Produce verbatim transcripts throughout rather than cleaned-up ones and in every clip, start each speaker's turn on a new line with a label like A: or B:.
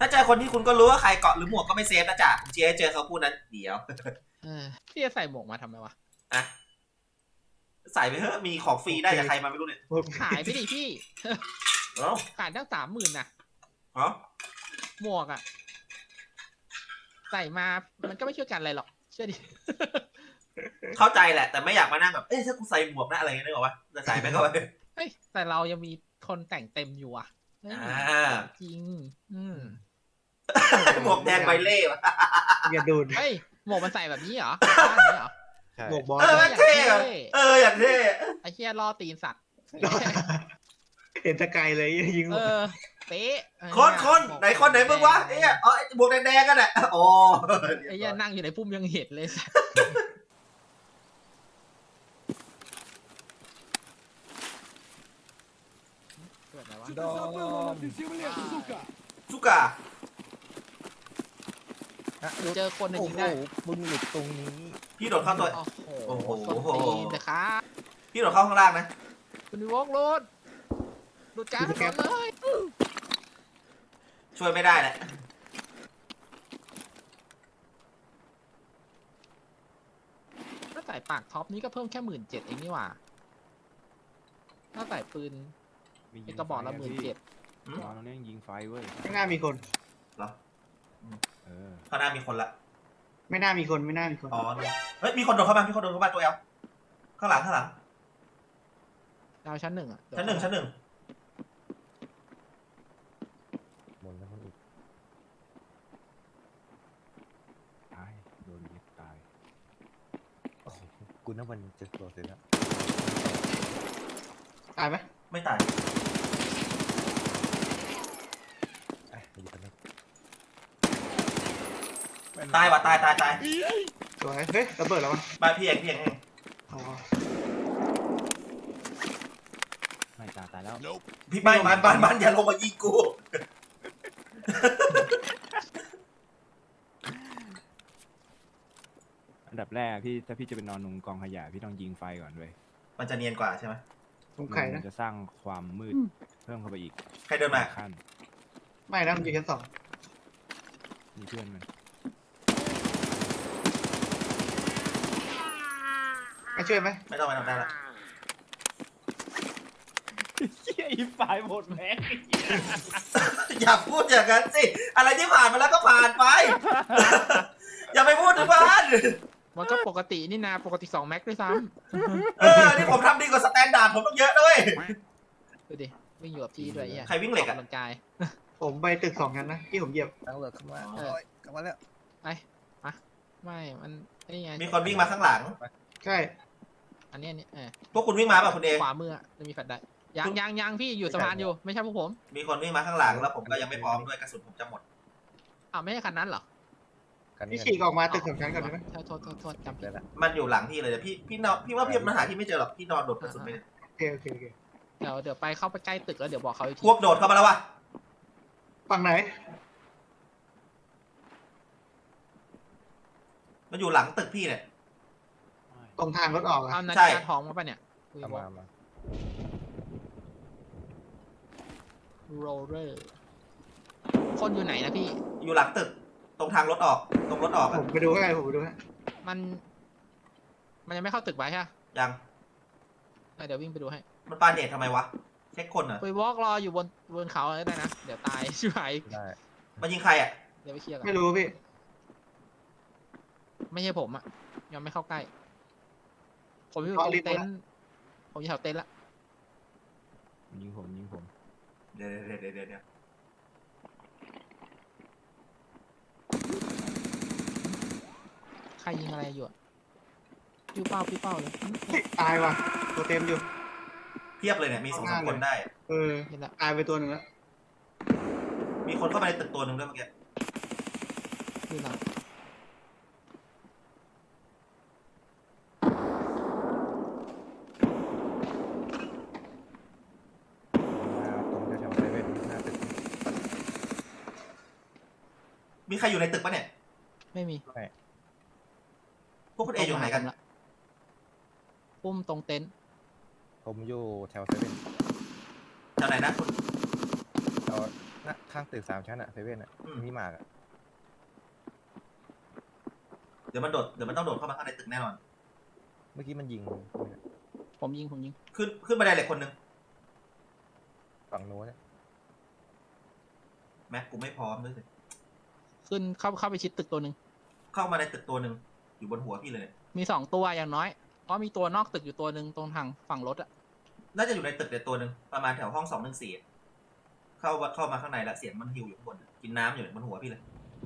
A: ถ้าเจอคนที่คุณก็รู้ว่าใครเกาะหรือหมวกก็ไม่เซฟนะจ๊ะเจ๊เจอเขาพูดนั้นเดี๋ยว
B: พี่จะใส่หมวกมาทำไมวะ
A: อะใส่ไปเถอะมีของฟรีได้จากใครมาไม่รู้เนี่ย
B: ขายไปดิพี่ขายตั้งสามหมื่นนะ
A: อ๋อ
B: หมวกอ่ะใส่มามันก็ไม่ช่วยกันอะไรหรอกเชื่อดิ
A: เข้าใจแหละแต่ไม่อยากมานั่งแบบเอ๊ะถ้ากูใส่หมวกนะอะไรเงี้ยนึกออกปะจะใส่ไปก็ไป
B: เฮ้ยแต่เรายังมีคนแต่งเต็มอยู่อ่ะจริงอืม
A: หมวกแดงใบเล่วะ
C: อย่าดูด
B: เฮ้ยหมวกมันใส่แบบนี้เหรอบ้านนี้เหรอ
C: หมวกบอล
A: เออเท่เอออย่างเท่
B: ไอ้เหี้ยล่อตีนสัตว์
C: เห็นตะไกลเลยยิง
B: เออเป๊ะ
A: คนคนไหนคนไหนมึงวะเอ้ยอ๋อหมวกแดงๆกันแหละอ๋อ
B: ไอ้เหี้ยนั่งอยู่ในพุ่มยังเห็นเลยเกิดอะไรวะ
A: สุกา
B: เจอคนในยิงได้
C: มึงหลุดตรงนี้
A: พี่โดดเข้าตัว
B: โอ้โหตีนนะครับ
A: พี่โดดเข้าข้างล่างนะ
B: คุณวอกรถหลุดการถนนเลย
A: ช่วยไม่ได้แหละ
B: ถ้าใส่ปากท็อปนี้ก็เพิ่มแค่หมื่นเจ็ดเองนี่หว่าถ้าใส่ปืนมีกระบอกละหมื่นเจ็ด
D: ตอนนี้ยิงไฟเว้ย
C: ข้างหน้ามีคน
A: เหรอ
D: เออ
A: ข้างหน้ามีคนละ
C: ไม่น่ามีคนไม่น่ามีคน
A: อ๋อเฮ้ยมีคนโดดเข้ามามีคนโดดเข้ามาตัวเอลข้างหลังข้างหลัง
B: ดาวชั้นหนึ่งอ่ะ
A: ชั้นหนึ่งชั้นหนึ่ง
D: หมดแล้วคนอีกตายโดนยิงตายโอ้โหกูนับวันจะตัวเสร็จแล้ว
C: ตายไหม
A: ไม่ตาย
D: ไอ้ยิงกันแล้ว
A: ตายว่ะตายตายตาย
C: สวยเฮ้ยระเบิดแล้ววะ
A: บ้านพี่เองพี่เอง
C: อ๋อ
D: ไม่ตายตายแล้ว
A: พี่บ้านบ้านบ้านบ้านอย่าลงมายิงกู
D: อันดับแรกพี่ถ้าพี่จะไปนอนนุงกองขยะพี่ต้องยิงไฟก่อนเว้ย
A: มันจะเนียนกว่าใช่ไหม
C: ผมใครนะ
D: จะสร้างความมืดเพิ่มเข้าไปอีก
A: ใครเดินมา
D: ขั้น
C: ไม่นะมันอยู่ชั้นสอง
D: มีเพื่อนมัน
C: มาช่วยไหม
A: ไม่ต้องไม่ต้องได้ละ
B: เฮียอีไฟหมดแม็ก
A: อย่าพูดอย่างนั้นสิอะไรที่ผ่านมาแล้วก็ผ่านไปอย่าไปพูดถึงบ้าน
B: มันก็ปกตินี่นาปกติสองแม็กด้วยซ้
A: ำเออนี่ผมทำดีกว่าสแตนดาร์ดผมต้องเยอะด้วย
B: ดูดิวิ่งอยู่กับพี่ด้วย
A: ใครวิ่งเหล็กอะ
B: กำลังกาย
C: ผมไปตึกสองกันนะที่ผมเหยียบ
E: ตั้งเลิกขึ้นมา
B: เอ
E: อกลับมาแล้ว
B: ไปมาไม่มันนี่ไง
A: มีคนวิ่งมาข้างหลัง
C: ใช่
B: อันนี้นี่เออ
A: พวกคุณวิ่งมาป่ะคุณเอ
B: ขวามือจะมีแฟลชได้ยังยังยังพี่อยู่สะพานอยู่ไม่ใช่พวกผม
A: มีคนวิ่งมาข้างหลังแล้วผมก็ยังไม่พร้อมด้วยกระสุนผมจะหมด
B: อ้าวไม่ใช่คันนั้นเหรอ
C: พี่ฉีกออกมาตึกสองชั้นก่อนได้ไหม
B: โทษโทษโทษจำผิดละ
A: มันอยู่หลังพี่เลยพี่พี่นอนพี่ว่าพี่มันหาที่ไม่เจอหรอกพี่นอนโดดกระสุนไป
C: โอเคโอเคโอเค
B: เดี๋ยวเดี๋ยวไปเข้าไปใกล้ตึกแล้วเดี๋ยวบอกเขาอีกที
A: พวกโดดเข้ามาแล้ววะ
C: ฝั่งไหน
A: มันอยู่หลังตึกพี่เนี่ย
C: ตรงทางรถออกอะ
B: เอานาฬิกาทองมาป่ะเนี่ย
D: มามา
B: โรเลอร์คนอยู่ไหนนะพี่
A: อยู่หลังตึกตรงทางรถออกตรงรถออก
C: ผมไปดูให้ผมไปดูให้
B: มันมันยังไม่เข้าตึกไว้ใช่ไหม
A: ยัง
B: เดี๋ยววิ่งไปดูให้
A: มันปาเนตทำไมวะเช็คคนเหรอ
B: ไปวอล์กรออยู่บนบนเขาได้นะเดี๋ยวตายชิบหาย
D: ได้
A: มายิงใครอ่ะ
B: เดี๋ยวไปเคลียร์กัน
C: ไม่รู้พี่
B: ไม่ใช่ผมอ่ะยังไม่เข้าใกล้ผมอยู่ตรงเต็นท์ผมอยู่แถวเต็นท์ละ
D: ยิงผมยิงผม
A: เดี๋ยวเดี๋ยวเดี๋ยวเดี๋ยว
B: ใครยิงอะไรอยู่อ่ะปิ้วเป้าปิ้วเป้าเลย
C: ตายว่ะตัวเต็มอยู่
A: เพียบเลยเนี่ยมีสองสามคนได้
C: เออตายไปตัวหนึ่งแล้ว
A: มีคนเข้าไปในตึกตัวหนึ่งด้วยเมื่อกี้
B: คืออะไร
A: มีใครอยู่ในตึกปะเนี่ย
B: ไม่มี
A: พวกคุณเออยู่ไหนกัน
B: ปุ้มตรงเต็นท์
D: ผมอยู่แถวเซเว่น
A: แถวไหนนะคุณ
D: แถวหน้าข้างตึกสามชั้นอะเซเว่นอะ
A: อืม
D: มีหมากอะ
A: เดี๋ยวมันโดดเดี๋ยวมันต้องโดดเข้ามาข้างในตึกแน่นอน
D: เมื่อกี้มันยิง
B: ผมยิงผมยิง
A: ขึ้นขึ้นบันไดเหล็กคนหนึ่ง
D: ฝั่งโน้นเนี่ย
A: แม็กกูไม่พร้อมด้วยสิ
B: ขึ้นเข้าเข้าไปชิดตึกตัวหนึ่ง
A: เข้ามาในตึกตัวหนึ่งอยู่บนหัวพี่เลย
B: มีสองตัวอย่างน้อย เพราะมีตัวนอกตึกอยู่ตัวหนึ่งตรงทางฝั่งรถอะ
A: น่าจะอยู่ในตึกเดียวตัวหนึ่งประมาณแถวห้องสองหนึ่งสี่เข้าเข้ามาข้างในละเสียงมันหิวอยู่ข้างบนกินน้ำอยู่บนหัวพี่เลย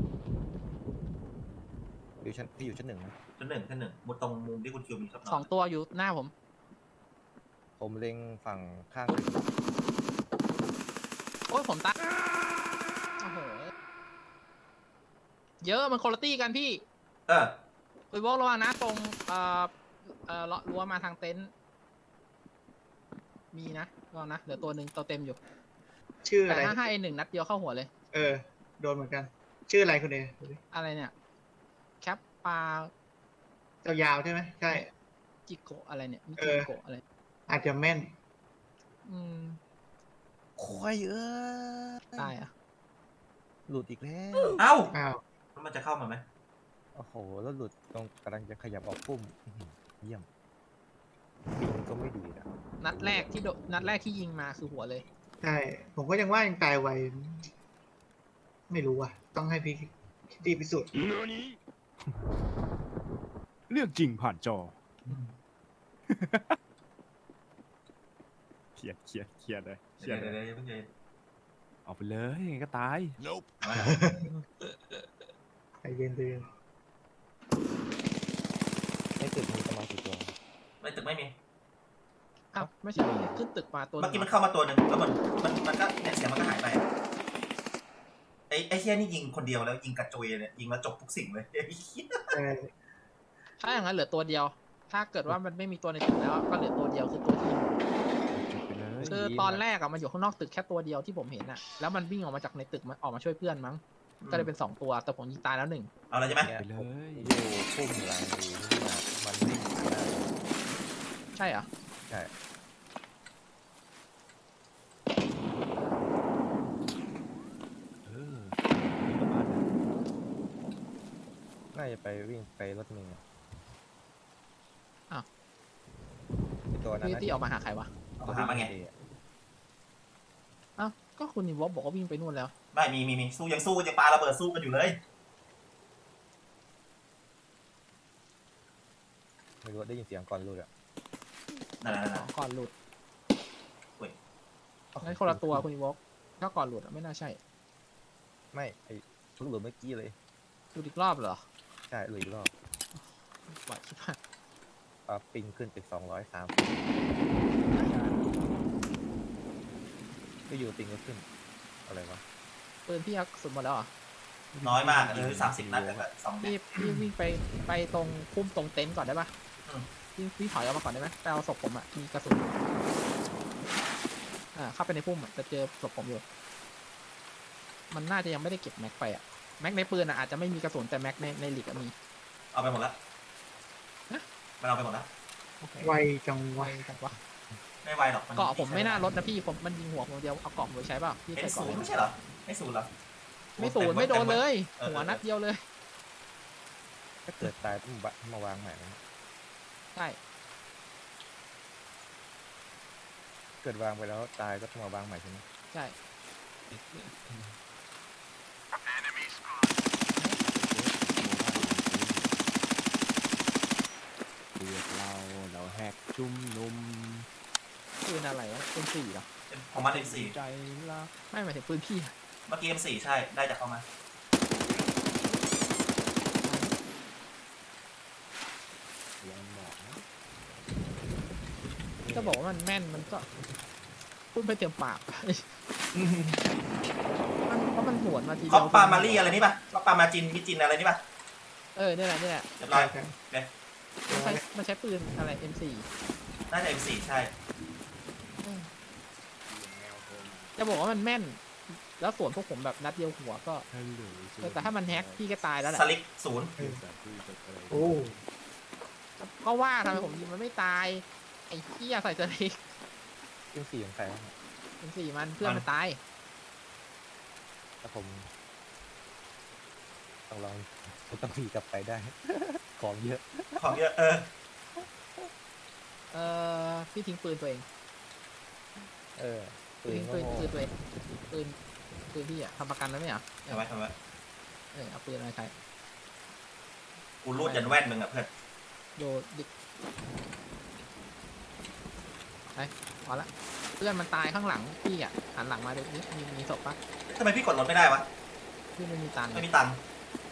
D: อยู่ชั้นพี่อยู่ชั้นหนึ่งนะ
A: ชั้นหนึ่งชั้นหนึ่งบนตรงมุมที่คุณคิวมีชอบน
B: สอ
A: อง น
B: ตัวอยู่หน้าผม
D: ผมเล็งฝั่งข้างตึก
B: โอ้ยผมตายโอ้โหเยอะมันคนละตี้กันพี่
A: เออ
B: ไปวอกระวังนะตรงเอ่อเอ่อเลาะรั้วมาทางเต็นท์มีนะระวังนะเหลือตัวหนึ่งตัวเต็มอยู่
C: ชื่ออะ
B: แต่
C: ไร
B: ถ้าให้หนึ่งนัดเดียวเข้าหัวเลย
C: เออ โดนเหมือนกัน ชื่ออะไรคุณเอดูดิ
B: อะไรเนี่ยแคปปลา
C: ยาวๆใช่ไหมใช่
B: จิโกะอะไรเนี่ยมิ
C: เอ
B: จิ
C: อ
B: โกะอะไร
C: อาจจะแม่น
B: อืม
D: ควายเอ้ย
B: ตายอ่ะ
D: หลุดอีกแล้ว
A: เอ้า
C: อ้าว
A: แล้วมันจะเข้ามาไหม
D: โอ้โหแล้วหลุดตรงกำลังจะขยับออกพุ่มอื้อหือเยี่ยมปิงก็ไม่ดีนะ
B: นัดแรกที่โดนัดแรกที่ยิงมาคือหัวเลย
C: ใช่ ผมก็ยังว่ายังตายไว ไม่รู้อ่ะ ต้องให้พี่คิดดีพิสูจน์
E: เรื่องจริงผ่านจอเครียดเครียดเครียดเลยเครี
A: เดี๋
E: ย
A: ย
E: ด
A: ว
E: เล
A: เดี๋ยวย เดี๋ยวเพิ่งใจเย็น
E: เอาไปเลยยังไงก็ตาย
A: เอาละ
C: ใจเย็นเลย
D: ในตึกมีประมาณกี่ตัว
A: ในตึกไม่มี
B: อ้าวไม่ใช่ขึ้นตึกมาตัวห
A: เมื่
B: นึ่
A: อกี้
B: ง
A: มันเข้ามาตัวหนึ่งแล้วมันมันมันก็เนี่ยเสียงมันก็หายไปไอ้ไอ้เชี่ยนี่ยิงคนเดียวแล้วยิงกระจุยเลยยิงแล้วจบทุกสิ่งเลยไอ้เหี้ย
C: เออ
B: ถ้าอย่างนั้นเหลือตัวเดียว ถ้าเกิดว่ามันไม่มีตัวในตึกแล้วก็เหลือตัวเดียวคือตัวที่ยิง
E: จบไปเลย
B: คือตอนแรกอะมันอยู่ข้างนอกตึกแค่ตัวเดียวที่ผมเห็นอะแล้วมันวิ่งออกมาจากในตึกมันออกมาช่วยเพื่อนมั้ง ก็เลยเป็นสองตัวแต่ผมยิงตายแล้วหนึ่ง
A: เอาแล้วใช่ไหม
D: เนี่ย
E: ไปเล
D: ผม
E: ย
D: อยู่พุ่มหลังอยู่นี่นะมันวิ่งผ่านหน้า
B: ใช่เหรอ
D: ใช่
E: เออมีประมาณนั้น
D: น่าจะไปวิ่งไปรถเมล์
B: อ้าว
D: ไอ้ตัวนั้น
B: ที่
D: นะ
B: ที่ออกมาหาใครวะ
A: เอามาหามาไง
B: อ้าวก็คุณนิวบอกว่าวิ่งไปนู่นแล้ว
A: ไม่มีมีมีสู้ยังสู้ยังปาระเบิดสู้กันอยู่เลย
D: ไม่รู้ได้ยินเสียงก่อนรู้อะ
A: นั่นนั่นนั่น
B: ก่อนหลุด
A: เว้ย
B: งั้นคนละตัวคุณนิวบอกถ้าก่อนหลุดอะไม่น่าใช่
D: ไม่ไอ้ลูกหลุดเมื่อกี้เลย
B: หลุดอีกรอบเหรอ
D: ใช่หลุดอีกรอบ
B: ไหวคิดว่า
D: ปาปิงขึ้นเป็นสองร้อยสามก็อยู่ปิงก็ขึ้นอะไรวะ
B: ปืนพี่ยักสุดหมดแล้วเหรอ
A: น้อยมากเลยสามสิบนัดแต่สองนั
B: พี่
A: ด
B: พี่วิ่งไปไปตรงพุ่มตรงเต็นท์ก่อนได้ปะ
A: อืม
B: พี่พี่ถอยออกมาก่อนได้ไหมไปเอาศพผมอะมีกระสุนอ่าเข้าไปในพุ่มอะจะเจอศพผมอยู่ มันน่าจะยังไม่ได้เก็บแม็กไปอะแม็กในปืนอะอาจจะไม่มีกระสุนแต่แม็กในในหลีกอะมี
A: เอาไปหมดแล้ว
B: ฮะ
A: มันเอาไปหมดแล้ว
B: โอเค
C: ไวจัง
B: ไว
C: วะ
B: จังวะ
A: ไม่ไวหรอกน
B: เกาะผมไม่น่าลดนะพี่ผมมันยิงหัวผมเดียวเอาเกาะผมไปใช้เปล่าพี่
A: เป็น
B: ใส่
A: ศู
B: เกาะ
A: นย์
B: เลย
A: ไม่ใช่เหรอไม่ศูนย์เหรอ
B: ไม่ศูนย์ไม่โดนเลย
A: เออ
B: หัวนัดเดียวเลย
D: ถ้าเกิดตายต้องบะมาวางใหม่นะ
B: ใช่
D: เกิดวางไปแล้วตายก็ต้องมาวางใหม่ใช่ไหม
B: ใช่
E: เรียกเราเราแหกจุ่มนุม
B: ปืนอะไรอะปืนสี่เหรอ
A: เป็นของมันเอ็มสี่
E: ใจละ
B: ไม่หมายถึงปืนพี่อะ
A: เมื่อกี้เอ็มสี่ใช่ได้จากเข้ามา
E: ยังบอกนะ
B: จะบอกว่ามันแม่นมันก็พูดไปเต็มปาก มันเพราะมันหวนมาที
A: ค
B: เดี
A: อปปามารีอะไรนี่ป่ะคอปปามาจินมิจินอะไรนี่ป่ะ
B: เออเนี่ยแหละเนี่ยแหละ
A: เรียบร้อย
C: ใช่
B: มันใช้มันใช้ปืนอะไร เอ็ม โฟร์
A: น่าจะเอ็มสี่ใช่
B: จะบอกว่ามันแม่น แล้วส่วนพวกผมแบบนัดเดียวหัวก็
E: ฮัลโหล
B: เออแต่ถ้ามันแฮกพี่ก็ตายแล้วแหละ
A: สลิกศูนย์
C: โอ้
B: ก็ว่าทำไมผมยิงมันไม่ตาย ไอ้เหี้ยใส่สลิก
D: เรื่องสี่ของใครวะเนี่ย
B: เอ็ม โฟร์ มันเพื่อนมันตาย
D: ถ้าผมต้องลองต้องมีกลับไปได้ ของเยอะ
A: ของเยอะเออ
B: เออพี่ทิ้งปืนตัวเอง
D: เออ
B: ปืน
D: ก็
B: ปืน
D: โง่
B: ปืนตัวเองปืนปืนพี่อะทำประกันแล้วไหมเหรอ
A: ทำไมทำไม
B: เออเอาปืนมาใช้
A: กูรูดยันแว่นมึงอ่ะเพื่อน
B: โยดิไปพอละเพื่อนมันตายข้างหลังพี่อ่ะหันหลังมาดูนี่มีมีศพปะ
A: ทำไมพี่กดรถไม่ได้วะ
B: พี่ไม่มีตังค์
A: ไม่มีตังค์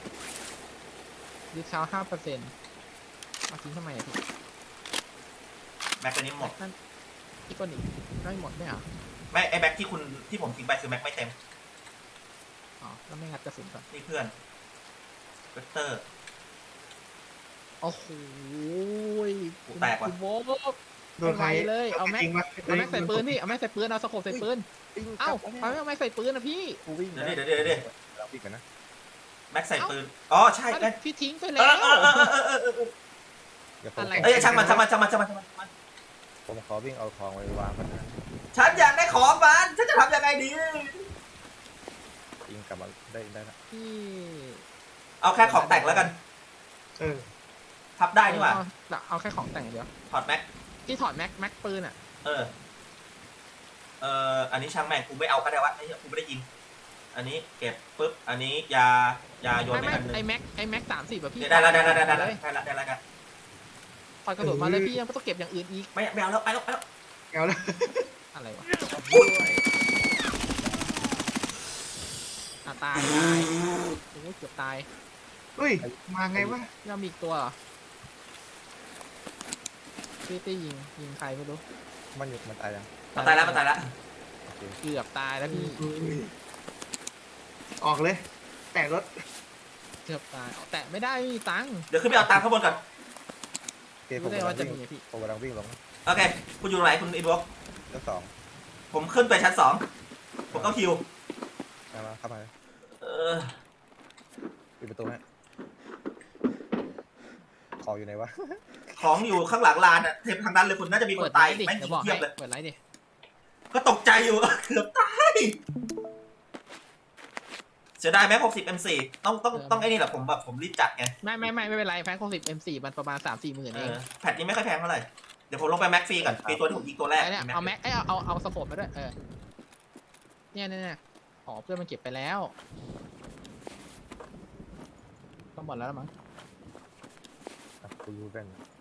B: ดิสคาวห้าเปอร์เซ็นต์เอาทิ้งทำไมอะพี่
A: แม็กตัวนี้หมด
B: นั่นอีกคนอีกไม่หมดไม่เหรอ
A: ไม่ไอ้แม็กที่คุณที่ผมทิ้งไปคือแม็กไม่เต็ม
B: อ๋อแล้วไม่งัดกระสุนก่อน
A: นี่เพื่อนเวกเตอร์
B: โอ้โห
A: กูแตกว่ะ
B: คุณโว้
C: โดนใคร
B: เอาไว้เลยเอาแม็ก
C: จริงวะ
B: เอาแม็กใส่ปืนพี่เอาแม็กใส่ปืนเอาสโคปใส่ปืน
D: วิ่ง
B: เอ้าก
D: ลับ
B: เอา
D: แล้ว
B: แม็กใส่ปืนนะพี่
D: กูวิ่ง
A: เดี๋ยวดิเดี๋ยวดิเดี๋ยวดิ
D: เราวิ่งกันนะ
A: แม็กใส่ปืนอ๋อใช่แม็ก
B: พี่ทิ้งไป
A: เอ
B: แล้
A: อ
B: ว
A: เออเออเออเออเออเออ
D: เดี๋ยวผม
B: อะไร
A: เอ้ยช่างมันช่างมันช่างมันช่างมันช่างมัน
D: ผมขอวิ่งเอาของไว้วางมันนะ
A: ฉันอยากได้ของมันฉันจะทำยังไงดี
D: วิ่งกลับมาได้ได้ละ
B: พี่
A: เอาแค่ของแต่งแล้วกัน
C: เออ
A: พับได้นี่หว่า
B: เอาเอาแค่ของแต่งอย่างเดียว
A: ถอดแม็ก
B: พี่ถอดแม็กแม็กปืนอ่ะ
A: เออ เอออันนี้ช่างแม่งกูไม่เอาก็ได้วะไอ้เหี้ยกูไม่ได้ยิง อันนี้เก็บปุ๊บ อันนี้ยายาโยน
B: ไม่
A: ไป
B: ไม่
A: อันหนึง
B: ไอแม็กไอแม็กสามสิบแบบพี่
A: ได้แล้วได้แล้วได้แล้ว
B: เล
A: ได้
B: ย
A: แล้วได้แล้วได้แล้ว
B: ถอดกระสุนมาเลยพี่ยังไม่ต้องเก็บอย่างอื่นอีก
A: ไม่ไม่เอาแล้วไปแล้วไปแล้ว
C: เอาละ
B: อะไรวะอ่ะตายตายโอ้โหเกือบตาย
C: เฮ้ย มาไงวะ
B: ยังมีอีกตัวเหรอพี่ตี้ยิงยิงใครไม่รู้
D: มันอยู่มันตายยัง
A: มาตายแล้วมาตายแล้ว
D: โอเค
B: เกือบตายแล้วพี่
C: ออกเลย แต่รถ
B: เกือบตายแต่ไม่ได้ไม่มีตังค์
A: เดี๋ยวขึ้นไปเอาตังค์ข้างบนก่อน
D: โอเคผ
B: รู้
D: ม
B: ได้
D: กำลั
B: ว่าง จะ
D: วิ่ง
B: มีอะพี่
D: ผมกำลังวิ่งลง
A: โอเค คุณอยู่ตรงไหนคุณอินวอล์ก
D: ชั้นสอง
A: ผมขึ้นไปชั้นสอง ผมต้องคิว
D: มามาเข้ามา
A: เออ
D: ปิดประตูฮะของอยู่ไหนวะ
A: ของอยู่ข้างหลังลานอะเทปทางนั้นเลยคุณน่าจะมีค
B: เปิ
A: น
B: ดไล
A: ตาย
B: ฟ์ดิ
A: แม่ง
B: เดี๋
A: ยิ
B: ยว
A: ง
B: บอก
A: เที
B: ให้
A: ยบเลย
B: เปิดไลฟ์ดิ
A: ก็ตกใจอยู่ เกือบตาย เสียดายแม็กหกสิบเอ็มสี่ต้องต้องต้องไอ้นี่แหละผมแบบผมรีบจัดไง
B: ไม่ไม่ไม่ไม่เป็นไรแฟนโคสิบเอ็มสี่มันประมาณสามสี่หมื่น
A: เอ
B: เอง
A: อแพทนี้ไม่ค่อยแพงเท่าไหร่ เดี๋ยวผมลงไปแม็กฟรีก่อนฟรีตัวที่ผมยิงตัวแรก
B: ไอ้เนี่ยเอาแม็กไอ้ยเอาเอาเอาสโคปมาด้วยเออเนี่ยเนี่ยเนี่ยอ๋อเพื่อนมันเก็บไปแล้วก็หมดแล้วมั้ง
D: อ่ะกูรู้กัน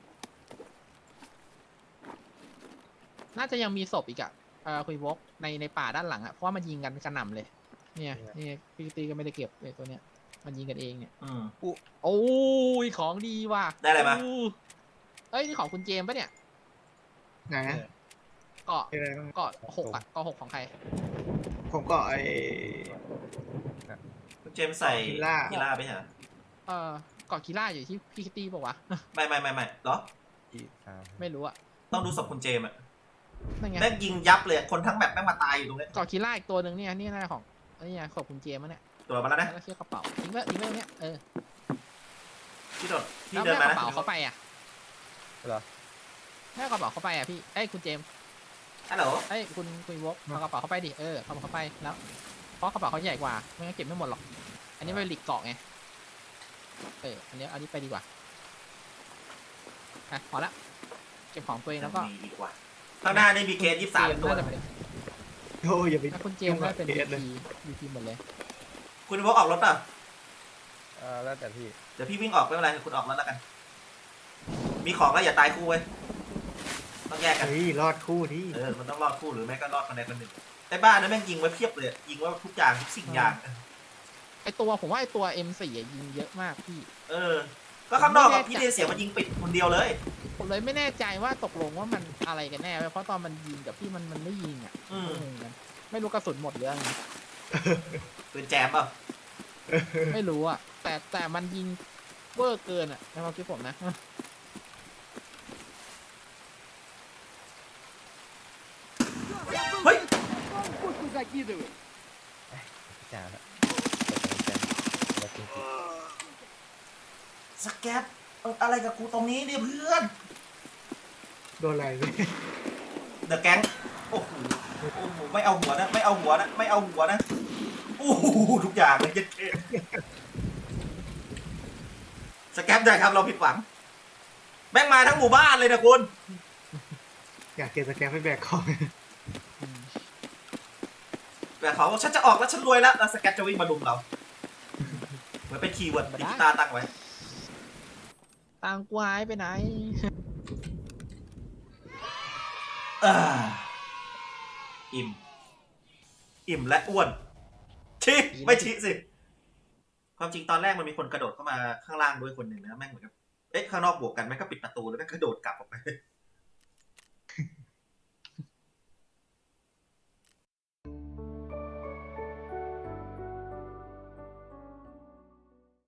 B: น่าจะยังมีศพอีกอะเออคุยวกในในป่าด้านหลังอะเพราะว่ามันยิงกันกระหน่ำเลย เนี่ยนี่พี่ตีก็ไม่ได้เก็บเลยตัวเนี้ยมันยิงกันเองเนี่ย
A: อืม
B: โอ้ยของดีว่ะ
A: ได้อะไรมา
B: อู้เอ้ยนี่ของคุณเจมส์ปะเนี่ย
C: ไหนอะ
B: เกาะ
C: เป็นอะไรบ้าง
B: เกาะหกอะเกาะหกของใคร
C: ผมก็ไอ้
A: คุณเจมส์ใส่
C: กีฬา
A: กีฬาไปเหรอ
B: เออเกาะกีล่าอยู่ที่พี่คิตตี้ปะวะ
A: ไม่ไม่ไม่ไม่เหรอ
D: ที่สาม
B: ไม่รู้อะ
A: ต้องดูศพคุณเจมส์อะ
B: นั่นไง
A: แม่งยิงยับเลย คนทั้งแบบแม่งมาตายอยู่ตรงนี้
B: เกาะกีล่าอีกตัวหนึ่งเนี่ยนี่น่าของอันนี้ไงขอบคุณเจมส์มั้งเนี่ย
A: ตัวมาแล้วนะ
B: แล้วก็เชือกกระเป๋าทิ้งไว้ทิ้งไว้ตรงเนี้ยเออ
A: พี่โดดพี่
B: แล้ว
A: เดิน
B: แม่
A: มาก
B: ระ
A: นะ
B: เป๋าเขาไปอะ
D: เหรอ
B: แม่กระเป๋าเขาไปอะพี่เอ้ยคุณเจมส์
A: ฮัลโหล
B: เอ้ยคุณคุณวกเอากระเป๋าเขาไปดิเออเอาเขาไปแล้วเพราะกระเป๋าเขาใหญ่กว่าไม่งั้นเก็บไม่หมดหรอก อันนี้เป็นหลีกเกาะไงเอออันนี้อันนี้ไปดีกว่าอ่ะพอละเก็บของตัวเองแล้วก็
A: มีดีกว่า ข้างหน้านี่มีเคสยี่สิบสามตัว
B: น่าจะเป็น
C: โอ้ยอย่าไป
B: ถ้าคุณเจมส์ได้เป็น
C: ยุ่งกับ
B: วี
C: เคสเลย
B: พีวีพีหมดเลย
A: คุณวอล์กออกรถป่ะ
D: เอ่าแล้วแต่พี่
A: เดี๋ยวพี่วิ่งออกไม่เป็นไรคุณออกรถแล้วกัน มีของแล้วอย่าตายคู่เว้ย ต้องแยกกัน
C: เฮ้ยรอดคู่ที่
A: เออ มันต้องรอดคู่หรือไม่ก็รอดคนใดคนหนึ่งไอ้บ้านนั้นแม่งยิงไว้เพียบเลย ยิงไว่าทุกอย่างทุกสิ่งอย่าง
B: ไอตัวผมว่าไอตัว เอ็ม โฟร์ อะยิงเยอะมากพี่
A: เออ ก็ข้างนอกอะพี่เดเสียมันยิงปิดคนเดียวเลย
B: ผมเลยไม่แน่ใจว่าตกลงว่ามันอะไรกันแน่เว้ยเพราะตอนมันยิงกับพี่มันมันไม่ยิงอ่ะ
A: อืม
B: งงกันไม่รู้กระสุนหมดหรือไง
A: ปืนแจมเปล่ะ
B: ไม่รู้อ่ะแต่แต่มันยิงเวอร์เกินอ่ะในความคิดผมนะ
A: เฮ้ย
D: จ่าละตกใจแล้วจริง
A: สแกปเอออะไรกับกูตรงนี้เนี่ยเพื่อน
C: โดนอะไรเนี่ย
A: เดอะแก๊งโอ้โห โอ้โห ไม่เอาหัวนะ ไม่เอาหัวนะ ไม่เอาหัวนะ โอ้อู้หูทุกอย่างเลยเย็ดเท่สแกปได้ครับเราผิดหวังแม่งมาทั้งหมู่บ้านเลยนะคุณ
C: อยากเก็บสแกนไปแบกของ
A: แต่เขาบอกฉันจะออกแล้วฉันรวยแล้วแล้วสแกปจะวิ่งมาลุมเราเหมือนเป็นคีย์เวิร์ดดิจิตาตั้งไว้
B: ตังกวายไปไหน
A: อ่าอิ่ม อิ่มและอ้วนชิไม่ชิสิ ความจริงตอนแรกมันมีคนกระโดดเข้ามาข้างล่างด้วยคนหนึ่งนะแม่งเหมือนกับเอ๊ะข้างนอกบวกกันแม่งก็ปิดประตูแล้วแม่งกระโดดกลับออกไป